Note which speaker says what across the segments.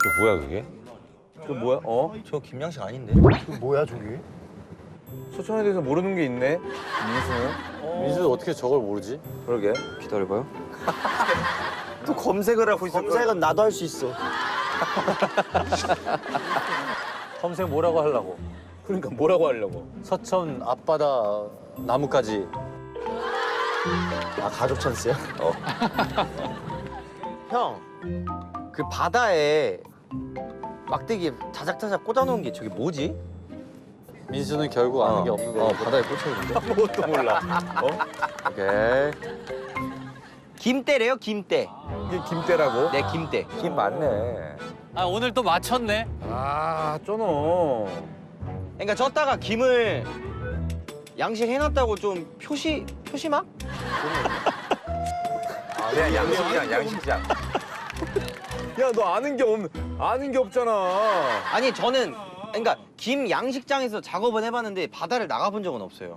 Speaker 1: 뭐야 그게?
Speaker 2: 그 뭐야?
Speaker 3: 저 김양식 아닌데?
Speaker 2: 그 뭐야 저기?
Speaker 4: 서천에 대해서 모르는 게 있네. 민수는?
Speaker 1: 민수도 어떻게 저걸 모르지?
Speaker 4: 그러게.
Speaker 2: 기다려봐요.
Speaker 3: 또 검색을 하고 있어. 검색은 나도 할 수 있어.
Speaker 1: 검색 뭐라고 하려고?
Speaker 4: 그러니까 뭐라고 하려고?
Speaker 1: 서천 앞바다 나무까지.
Speaker 3: 아 가족 찬스야? 형, 그 바다에 막대기 자작자작 꽂아놓은 게 저게 뭐지?
Speaker 1: 민수는 결국 아는 게 없는 거.
Speaker 3: 바다에 꽂혀있는데?
Speaker 4: 아무것도 몰라.
Speaker 1: 오케이.
Speaker 3: 김대래요, 김대.
Speaker 4: 이게 김대라고?
Speaker 3: 네, 김대.
Speaker 4: 김 맞네.
Speaker 5: 아 오늘 또 맞췄네.
Speaker 4: 아, 쩌노.
Speaker 3: 그러니까 쪘다가 김을 양식해놨다고 좀 표시막?
Speaker 4: 그냥 양식이야, 양식이야. 야, 너 아는 게 없잖아.
Speaker 3: 아니 저는 그러니까 김 양식장에서 작업은 해봤는데 바다를 나가본 적은 없어요.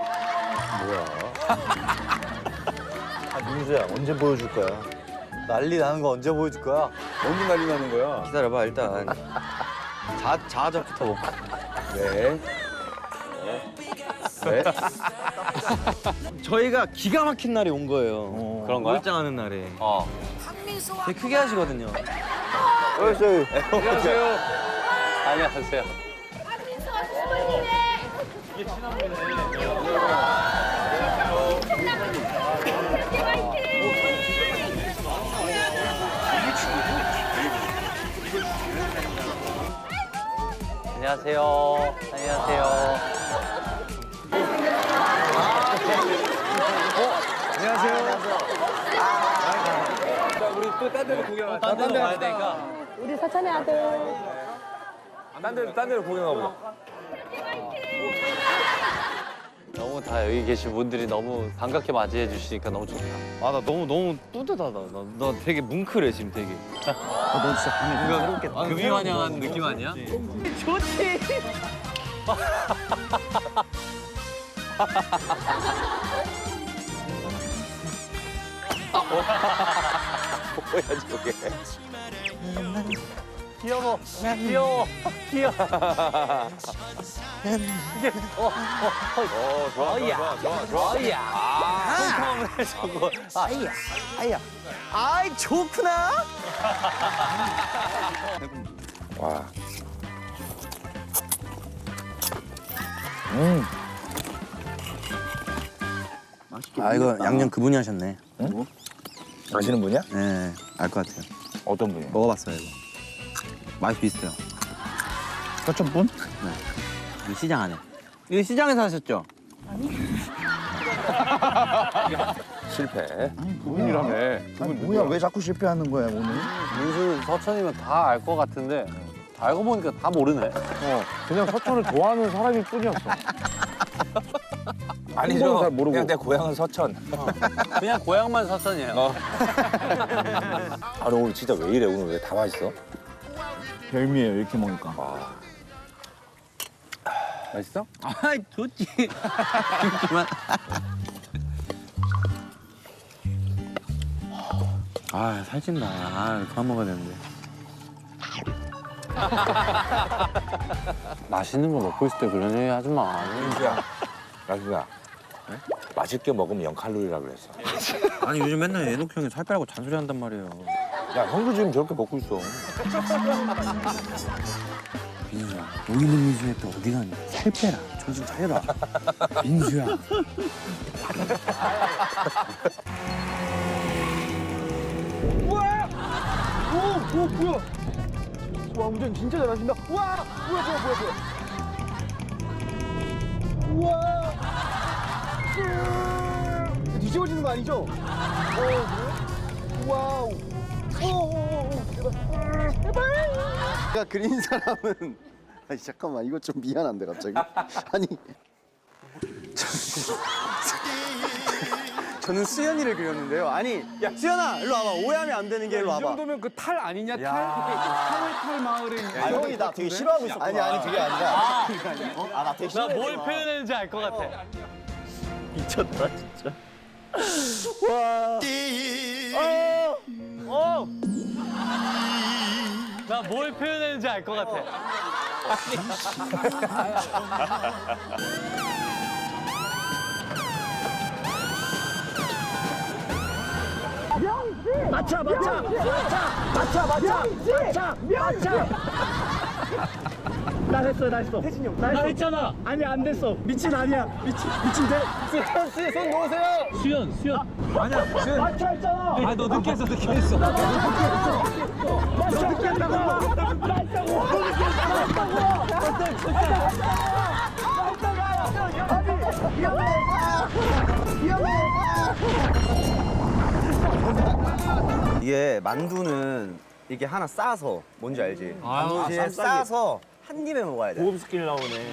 Speaker 2: 민수야 언제 보여줄 거야?
Speaker 1: 난리 나는 거 언제 보여줄 거야?
Speaker 4: 언제 난리 나는 거야?
Speaker 3: 기다려봐 일단. 자아적부터 먹고.
Speaker 4: 네. 네.
Speaker 3: 저희가 기가 막힌 날이 온 거예요.
Speaker 1: 그런 거야?
Speaker 3: 몰장하는 날에.
Speaker 1: 어.
Speaker 3: 되게 크게 하시거든요.
Speaker 4: 안녕하세요.
Speaker 1: 안녕하세요. 안녕하세요. 안녕하세요.
Speaker 4: 자, 우리 또 딴 데로 구경하자.
Speaker 5: 딴 데로 가야 되니까.
Speaker 6: 우리 사천의 아들.
Speaker 4: 딴 데로 구경하보자.
Speaker 5: 너무 다 여기 계신 분들이 너무 반갑게 맞이해 주시니까 너무 좋다.
Speaker 3: 아 나 너무 뿌듯하다. 나 되게 뭉클해 지금 되게.
Speaker 2: 너 진짜 밤에
Speaker 5: 뭔가 금이환영한 느낌 아니야?
Speaker 4: 뭐야, 저게.
Speaker 5: 귀여워. 귀여워. 귀여워.
Speaker 4: 좋아, 좋아.
Speaker 5: 어이야. 처음에 저거.
Speaker 3: 아야. 아이 좋구나.
Speaker 4: 와.
Speaker 2: 아 이거 양념 그분이 하셨네.
Speaker 4: 아시는 분이야?
Speaker 2: 네, 알 것 같아요.
Speaker 4: 어떤 분이야?
Speaker 2: 먹어봤어요 이거. 맛이 비슷해요.
Speaker 4: 서천분?
Speaker 2: 이 시장 안에. 이거 시장에서 하셨죠?
Speaker 4: 실패. 그분이라며. 그분
Speaker 7: 뭐야 왜 자꾸 실패하는 거야 오늘?
Speaker 5: 민수 서천이면 다 알 것 같은데 다 알고 보니까 다 모르네.
Speaker 4: 그냥 서천을 좋아하는 사람일 뿐이었어.
Speaker 1: 아니죠.
Speaker 4: 잘 모르고.
Speaker 1: 그냥 내 고향은 서천.
Speaker 5: 그냥 고향만 서천이에요.
Speaker 1: 아, 너 오늘 진짜 왜 이래? 오늘 왜 다 맛있어?
Speaker 7: 별미예요 이렇게 먹으니까.
Speaker 4: 맛있어?
Speaker 2: 아, 좋지. 그만. 아, 살찐다. 아, 그만 먹어야 되는데.
Speaker 5: 맛있는 거 먹고 있을 때 그런 얘기 하지 마.
Speaker 1: 민수야, 라수야. 맛있게 먹으면 0칼로리라 그랬어.
Speaker 2: 아니, 요즘 맨날 애녹 형이 살 빼라고 잔소리 한단 말이에요.
Speaker 1: 야, 형도 지금 저렇게 먹고 있어.
Speaker 2: 민수야, 여기 있는 민수야 또 어디 갔니? 살 빼라. 정신 차려라. 민수야.
Speaker 7: 뭐야? 와 운전 진짜 잘하신다. 와 뭐야. 우와. 뒤집어지는 거 아니죠? 그래? 와우. 오. 제발. 내가 그린 사람은 아니 잠깐만 이거 좀 미안한데 갑자기. 아니. 저는 수연이를 그렸는데요. 아니, 야 수연아, 일로 와봐. 오해하면 안 되는 게 일로 와봐.
Speaker 4: 정도면 그 탈 아니냐? 탈 마을에.
Speaker 7: 아 형이 나 되게 싫어하고 있어. 아니 그게 아니라. 나 되게 싫어해.
Speaker 5: 뭘 표현했는지 알 것 같아.
Speaker 3: 미쳤다 진짜.
Speaker 5: 나 뭘 표현했는지 알 것 같아.
Speaker 2: 나 했어. 태진이 형, 나 했잖아. 아니 안 됐어. 미친 아니야. 미친 돼.
Speaker 4: 손 놓으세요.
Speaker 5: 수연.
Speaker 2: 맞춰 했잖아.
Speaker 5: 아, 너 늦게 했어.
Speaker 2: 늦게 한다고.
Speaker 7: 이게 만두는 이게 하나 싸서 뭔지 알지? 만두에 싸서 한 입에 먹어야 돼.
Speaker 2: 고급 스킬 나오네.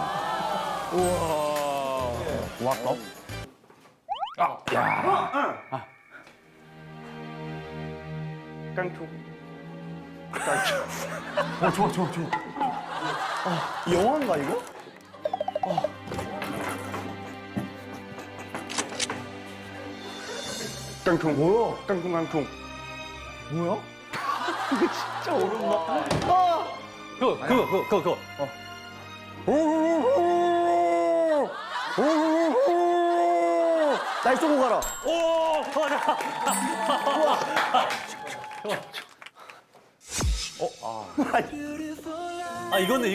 Speaker 7: 이 영화인가 이거?
Speaker 2: 깡통 뭐야? 깡통.
Speaker 7: 뭐야?
Speaker 5: 그거.
Speaker 7: 날 쏘고 가라.
Speaker 5: 아, 이거는.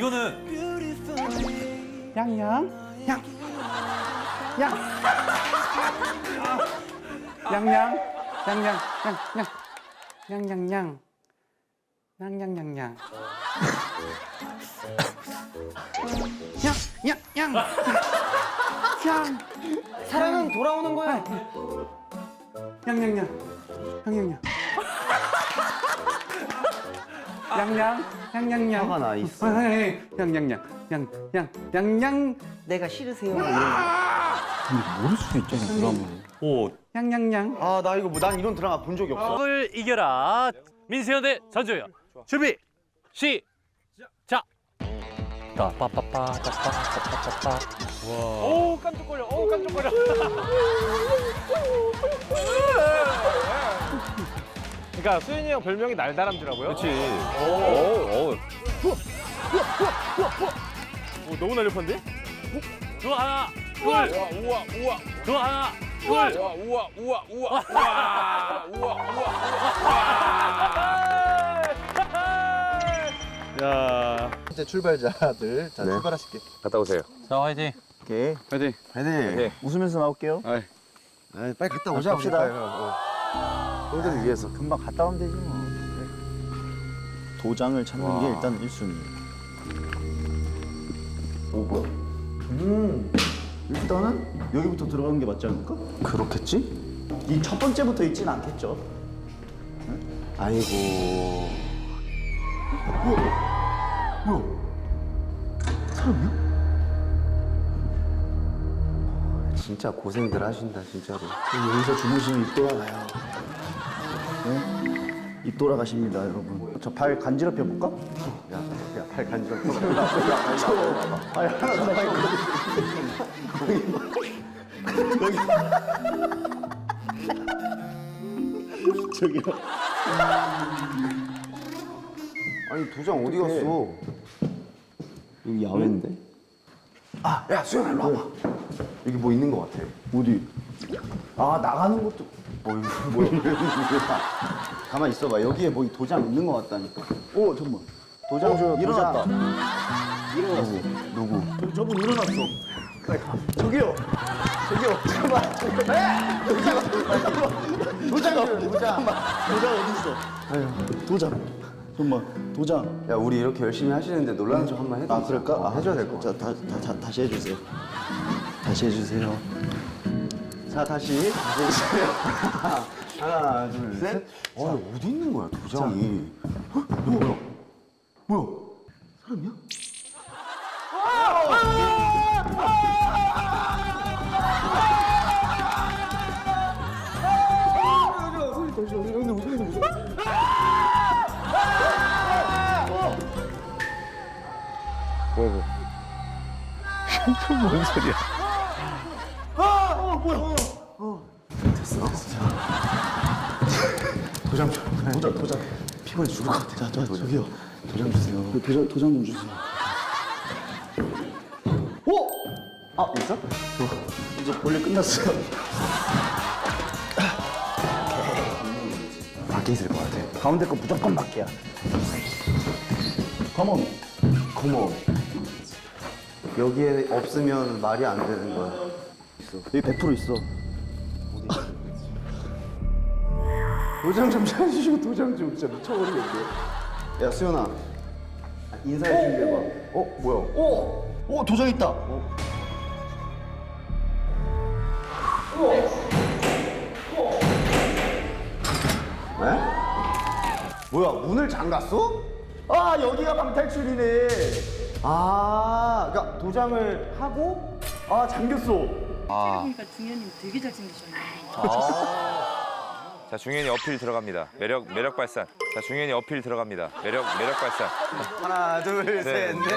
Speaker 3: 사랑은 돌아오는 거야.
Speaker 7: 화가 나 있어. 내가 싫으세요.
Speaker 2: 모를 수도 있잖아, 드라마를.
Speaker 7: 아, 나 이거 난 이런 드라마 본 적이 없어.
Speaker 5: 을 이겨라. 민세현 대 전조현. 준비. 시작. 빠빠빠빠.
Speaker 4: 오 깜짝거려. 그러니까 수현이 형 별명이 날다람쥐라고요? 그렇지. 오. 너무 날렵한데?
Speaker 5: 두 하나. 둘.
Speaker 4: 우와.
Speaker 5: 두 하나. 둘.
Speaker 4: 우와. 야.
Speaker 7: 이제 출발자들 자 출발하실게.
Speaker 4: 갔다 오세요.
Speaker 5: 자, 화이팅.
Speaker 7: 오케이.
Speaker 2: 파이팅.
Speaker 7: 파이팅. 웃으면서 나올게요.
Speaker 2: 아이.
Speaker 7: 빨리 갔다 오자. 갑시다. 꼴들을 위해서 금방 갔다 오면 되지 뭐. 도장을 찾는 게 일단 1순위. 오 뭐야? 일단은 여기부터 들어가는 게 맞지 않을까? 그렇겠지? 이 첫 번째부터 있진 않겠죠. 응? 아이고. 뭐야? 사람이야? 진짜 고생들 하신다 진짜로. 여기서 주무시면 입 돌아가요. 네? 입 돌아가십니다 여러분. 저 발 간지럽혀 볼까? 야발 간지럽혀. 발 하나 더 발. 저기요. 아니 도장 어디 갔어? 여기 야외인데? 아, 야 수영아 일로 와봐. 여기 뭐 있는 것 같아. 어디? 아 나가는 것도 뭐야? 가만 있어봐. 여기에 뭐 도장 있는 것 같다니까. 오 잠만. 도장 줘. 일어났다. 일어났어. 누구? 저분 일어났어. 저기요. 잠깐만. 도장 어디 있어? 아유 도장. 잠깐만. 도장. 야 우리 이렇게 열심히 하시는데 놀라는 척 한번 해도. 아 그럴까? 아, 해줘야 될 것 같아. 다시 해주세요. 다시 해주세요. 자 다시 해주세요. 하나 둘 셋. 어디 있는 거야 도장이? 헉, 뭐야? 사람이야?
Speaker 2: 뭔 소리야?
Speaker 7: 됐어. 도장 줘. 도장. 피곤해 죽을 것 같아. 저기요. 도장 주세요. 도장 좀 주세요. 오! 아, 있어? 이제 볼일 끝났어요. 밖에 있을 것 같아. 가운데 거 무조건 밖이야. 컴온. 컴온. 여기에 없으면 말이 안 되는 거야. 있어. 여기 100% 있어. 도장 좀 찾으시고 도장 좀 진짜 미쳐버리겠네. 야 수연아 인사해 준비해봐. 뭐야? 도장 있다. 왜? 뭐야 문을 잠갔어? 아 여기가 방탈출이네. 아 그러니까 도장을 하고 잠겼어.
Speaker 8: 보니까 중현님 되게 잘생기셨네요.
Speaker 4: 자, 중현이 어필 들어갑니다. 매력 발산. 자, 중현이 어필 들어갑니다. 매력 발산.
Speaker 7: 하나 둘 셋 넷.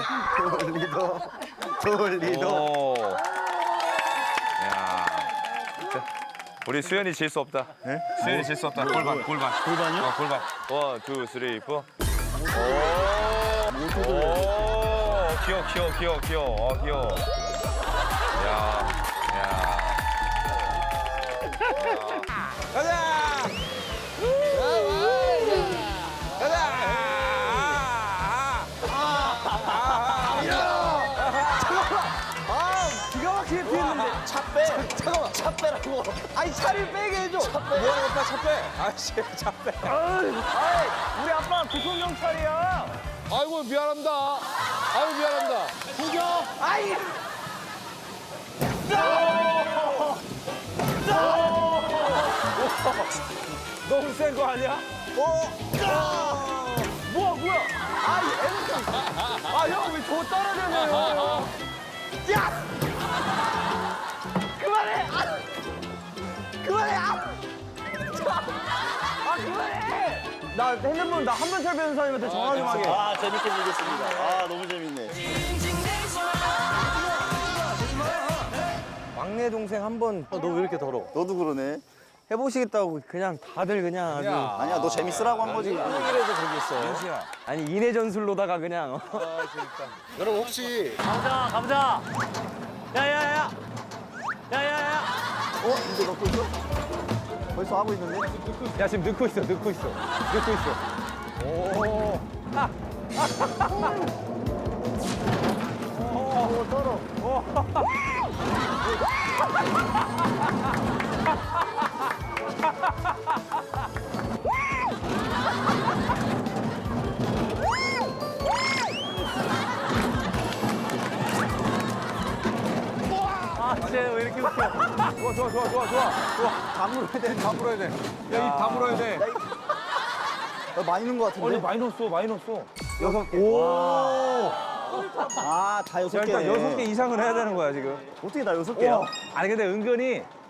Speaker 7: 돌리도.
Speaker 4: 오. 야. 자, 우리 수현이 질 수 없다. 수현이 질 수 없다. 골반. 골반이요? 골반. 1, 2, 3, 4. 오. 귀여워. 귀여워. 야. 가자!
Speaker 3: 기가 막히게 피했는데 차 빼. 잠깐만 차 빼라고. 아니 차를 빼게 해줘. 차 빼.
Speaker 4: 뭐야, 오빠 차 빼. 아이씨, 차 빼.
Speaker 3: 우리 아빠 구속 경찰이야.
Speaker 4: 아이고, 미안합니다. 구경.
Speaker 3: 아이.
Speaker 4: 너무 센 거 아니야?
Speaker 3: 뭐야? 아이 애는 형 왜 저 떨어져요? 야! 그만해! 그만해! 그만해! 나 핸드폰 나 한번철 변호사님한테 전화 좀 하게.
Speaker 7: 아 재밌게 즐겼습니다. 아 너무 재밌네.
Speaker 3: 막내 동생 한번
Speaker 7: 너 왜 이렇게 더러? 너도 그러네.
Speaker 3: 해보시겠다고 그냥 다들 그냥 아주
Speaker 7: 아니야 너 재밌으라고 한 거지.
Speaker 3: 이래서 저기 있어.
Speaker 4: 민수야.
Speaker 3: 아니 인해 전술로다가 그냥.
Speaker 7: 여러분 혹시
Speaker 5: 가보자. 야야야.
Speaker 7: 이제 넣고 있어? 벌써 하고 있는데?
Speaker 3: 야 지금 넣고 있어. 오.
Speaker 5: 쟤왜 이렇게 웃겨?
Speaker 4: 좋아.
Speaker 7: 다 물어야 돼.
Speaker 4: 다 물어야 돼. 야, 입 다 물어야 돼.
Speaker 7: 많이 넣은 거 같은데?
Speaker 4: 많이 넣었어.
Speaker 7: 다 6개.
Speaker 4: 일단 6개 이상은 해야 되는 거야, 지금.
Speaker 7: 어떻게 다 6개야?
Speaker 4: 아니, 근데 은근히